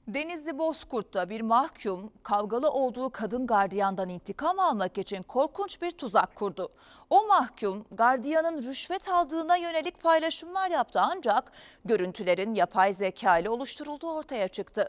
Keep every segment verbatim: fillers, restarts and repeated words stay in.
Denizli Bozkurt'ta bir mahkum kavgalı olduğu kadın gardiyandan intikam almak için korkunç bir tuzak kurdu. O mahkum gardiyanın rüşvet aldığına yönelik paylaşımlar yaptı ancak görüntülerin yapay zeka ile oluşturulduğu ortaya çıktı.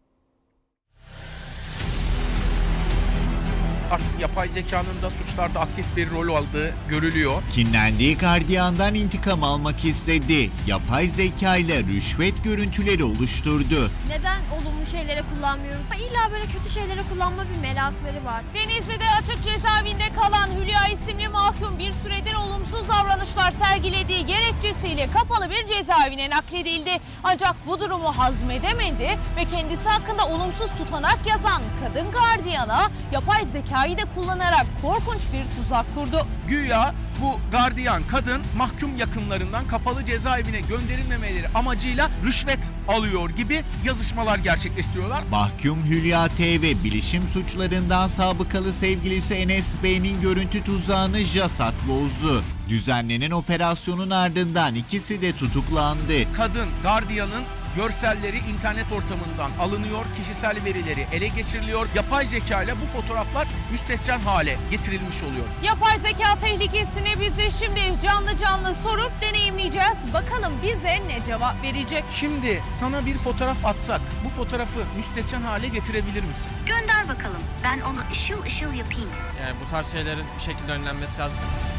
Artık yapay zekanın da suçlarda aktif bir rol aldığı görülüyor. Kinlendiği gardiyandan intikam almak istedi. Yapay zeka ile rüşvet görüntüleri oluşturdu. Neden olumlu şeylere kullanmıyoruz? İlla böyle kötü şeylere kullanma bir merakları var. Denizli'de açık cezaevinde kalan Hülya isimli mahkum bir süredir olumsuz davranışlar sergilediği gerekçesiyle kapalı bir cezaevine nakledildi. Ancak bu durumu hazmedemedi ve kendisi hakkında olumsuz tutanak yazan kadın gardiyana yapay zekayı da kullanarak korkunç bir tuzak kurdu. Güya bu gardiyan kadın mahkum yakınlarından kapalı cezaevine gönderilmemeleri amacıyla rüşvet alıyor gibi yazışmalar gerçekleştiriyorlar. Mahkum Hülya T ve bilişim suçlarından sabıkalı sevgilisi Enes Bey'in görüntü tuzağını JASAT bozdu. Düzenlenen operasyonun ardından ikisi de tutuklandı. Kadın gardiyanın görselleri internet ortamından alınıyor, kişisel verileri ele geçiriliyor. Yapay zeka ile bu fotoğraflar müstehcen hale getirilmiş oluyor. Yapay zeka tehlikesini biz de şimdi canlı canlı sorup deneyimleyeceğiz. Bakalım bize ne cevap verecek? Şimdi sana bir fotoğraf atsak bu fotoğrafı müstehcen hale getirebilir misin? Gönder bakalım. Ben onu ışıl ışıl yapayım. Yani bu tarz şeylerin bir şekilde önlenmesi lazım.